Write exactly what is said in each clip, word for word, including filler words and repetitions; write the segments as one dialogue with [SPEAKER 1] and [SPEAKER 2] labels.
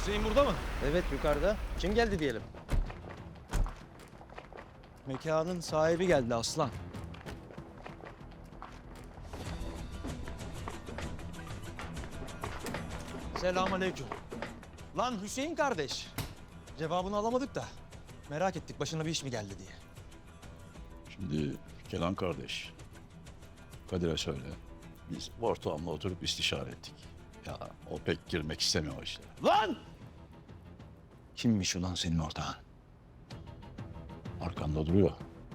[SPEAKER 1] Hüseyin burada mı?
[SPEAKER 2] Evet, yukarıda. Kim geldi diyelim?
[SPEAKER 1] Mekanın sahibi geldi aslan. Selamünaleyküm. Lan Hüseyin kardeş. Cevabını alamadık da merak ettik başına bir iş mi geldi diye.
[SPEAKER 3] Şimdi Kenan kardeş, Kadir'e söyle. Biz ortağımla oturup istişare ettik. Ya o pek girmek istemiyor o işlere.
[SPEAKER 1] Lan!
[SPEAKER 3] Kimmiş ulan senin ortağın? Arkanda duruyor.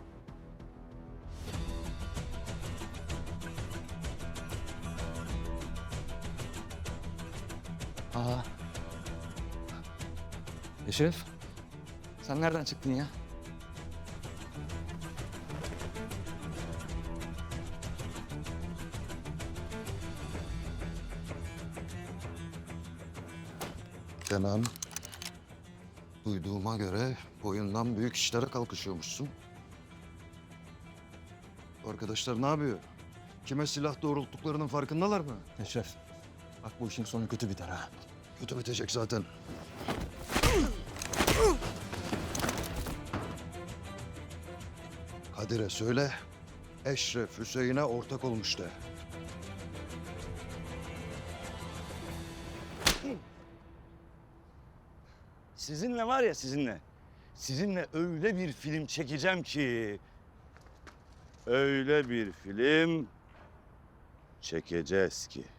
[SPEAKER 1] Aa. Eşref, sen nereden çıktın ya?
[SPEAKER 4] Kenan, duyduğuma göre boyundan büyük işlere kalkışıyormuşsun. Arkadaşlar ne yapıyor? Kime silah doğrulttuklarının farkındalar mı?
[SPEAKER 1] Eşref, bak bu işin sonu kötü biter ha.
[SPEAKER 4] Kötü bitecek zaten. Kadir'e söyle, Eşref Hüseyin'e ortak olmuş de.
[SPEAKER 5] Sizinle var ya sizinle. Sizinle öyle bir film çekeceğim ki. Öyle bir film çekeceğiz ki.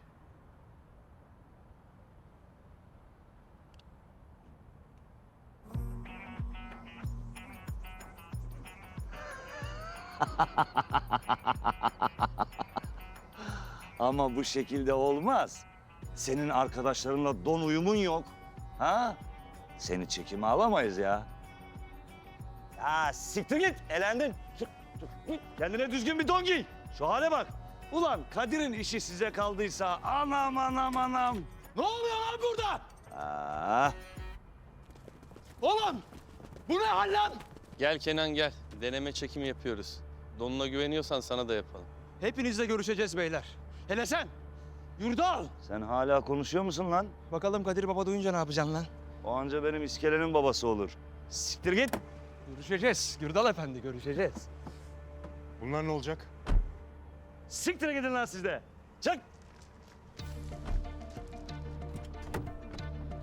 [SPEAKER 5] Ama bu şekilde olmaz. Senin arkadaşlarınla don uyumun yok. Ha? Seni çekime alamayız ya. Ya siktir git, elendin. Çık, çık, git. Kendine düzgün bir don giy. Şu hale bak. Ulan Kadir'in işi size kaldıysa anam anam anam.
[SPEAKER 1] Ne oluyor lan burada?
[SPEAKER 5] Aa,
[SPEAKER 1] Oğlum, bu ne hal lan?
[SPEAKER 2] Gel Kenan gel. Deneme çekimi yapıyoruz. Donuna güveniyorsan sana da yapalım.
[SPEAKER 1] Hepinizle görüşeceğiz beyler. Hele sen, Yurdal.
[SPEAKER 5] sen hala konuşuyor musun lan?
[SPEAKER 1] Bakalım Kadir Baba duyunca ne yapacaksın lan?
[SPEAKER 5] O anca benim iskelenin babası olur. Siktir git.
[SPEAKER 1] Görüşeceğiz, Yurdal Efendi, görüşeceğiz.
[SPEAKER 6] Bunlar ne olacak?
[SPEAKER 5] Siktir gidin lan siz de. Çık.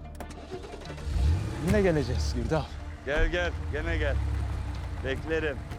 [SPEAKER 1] Yine geleceğiz Yurdal.
[SPEAKER 5] Gel gel, gene gel. Beklerim.